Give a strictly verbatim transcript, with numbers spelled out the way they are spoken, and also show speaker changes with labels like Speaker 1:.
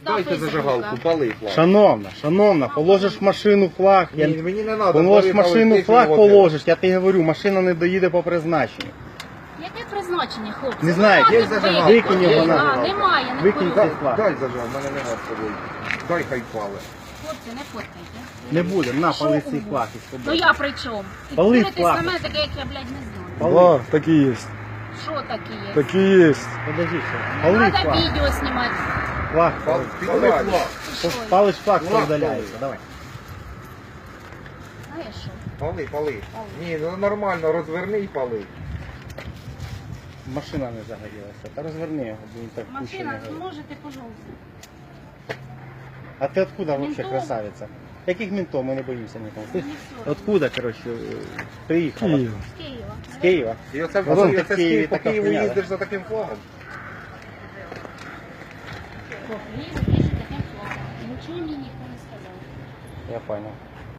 Speaker 1: Дайте зажигалку, пали флаг.
Speaker 2: Шановна, шановна, положиш в машину флаг. Я...
Speaker 1: Ні, мені не треба.
Speaker 2: Положиш в машину флаг, положиш. Я тобі говорю, машина не доїде по призначенню.
Speaker 3: Яке призначення, хлопці?
Speaker 2: Не знаю,
Speaker 3: Немає
Speaker 1: є зажигалка.
Speaker 3: ви-
Speaker 2: Викинь його
Speaker 3: А,
Speaker 2: на-
Speaker 3: Немає, не
Speaker 2: Викинь
Speaker 3: викинь.
Speaker 2: цей флаг.
Speaker 1: Дай зажал, в мене нема з собою. Дай хай пали.
Speaker 3: Хлопці, не фоткайте.
Speaker 2: Не буде, на,
Speaker 3: Що
Speaker 2: пали
Speaker 3: у
Speaker 2: цей
Speaker 3: вас?
Speaker 2: флаг із
Speaker 3: Ну
Speaker 2: тобою.
Speaker 3: я при чому? І
Speaker 2: Пали
Speaker 3: дивитесь
Speaker 2: флаг.
Speaker 3: на мене таке, як я, блядь, не знаю.
Speaker 2: Пали.
Speaker 4: Да, такие есть.
Speaker 3: Що таке є?
Speaker 4: Такие есть.
Speaker 2: Подожди, все.
Speaker 3: Не
Speaker 2: Пали
Speaker 3: треба
Speaker 2: флаг.
Speaker 3: відео знімати.
Speaker 2: Флаг.
Speaker 1: Пали
Speaker 2: пали.
Speaker 1: флаг.
Speaker 3: Ти що?
Speaker 2: Палиш флаг,
Speaker 1: Флаг
Speaker 2: удаляється.
Speaker 1: пали.
Speaker 2: Давай.
Speaker 3: Знаєш що?
Speaker 1: Пали, пали. Ні, ну нормально, розверни і пали.
Speaker 2: Машина не загорілася. Та розверни його, бо він так куча не
Speaker 3: Машина,
Speaker 2: горить.
Speaker 3: зможете, пожалуйста.
Speaker 2: А ти откуда вообще
Speaker 3: Ментов.
Speaker 2: красавиця? Яких ментов? Ми не боїмося нікого. Ти
Speaker 3: Не все.
Speaker 2: откуда, коротше, приїхала?
Speaker 4: Киев.
Speaker 3: З Києва.
Speaker 2: З Києва?
Speaker 1: І оце,
Speaker 2: Ну,
Speaker 1: і
Speaker 2: ти
Speaker 1: оце
Speaker 2: в Києві
Speaker 1: по
Speaker 2: така
Speaker 1: Києву
Speaker 2: хуйня,
Speaker 1: їздиш за таким флагом.
Speaker 3: Їздить, їздить таким флагом. Нічого мені ніхто не сказав.
Speaker 2: Я понял.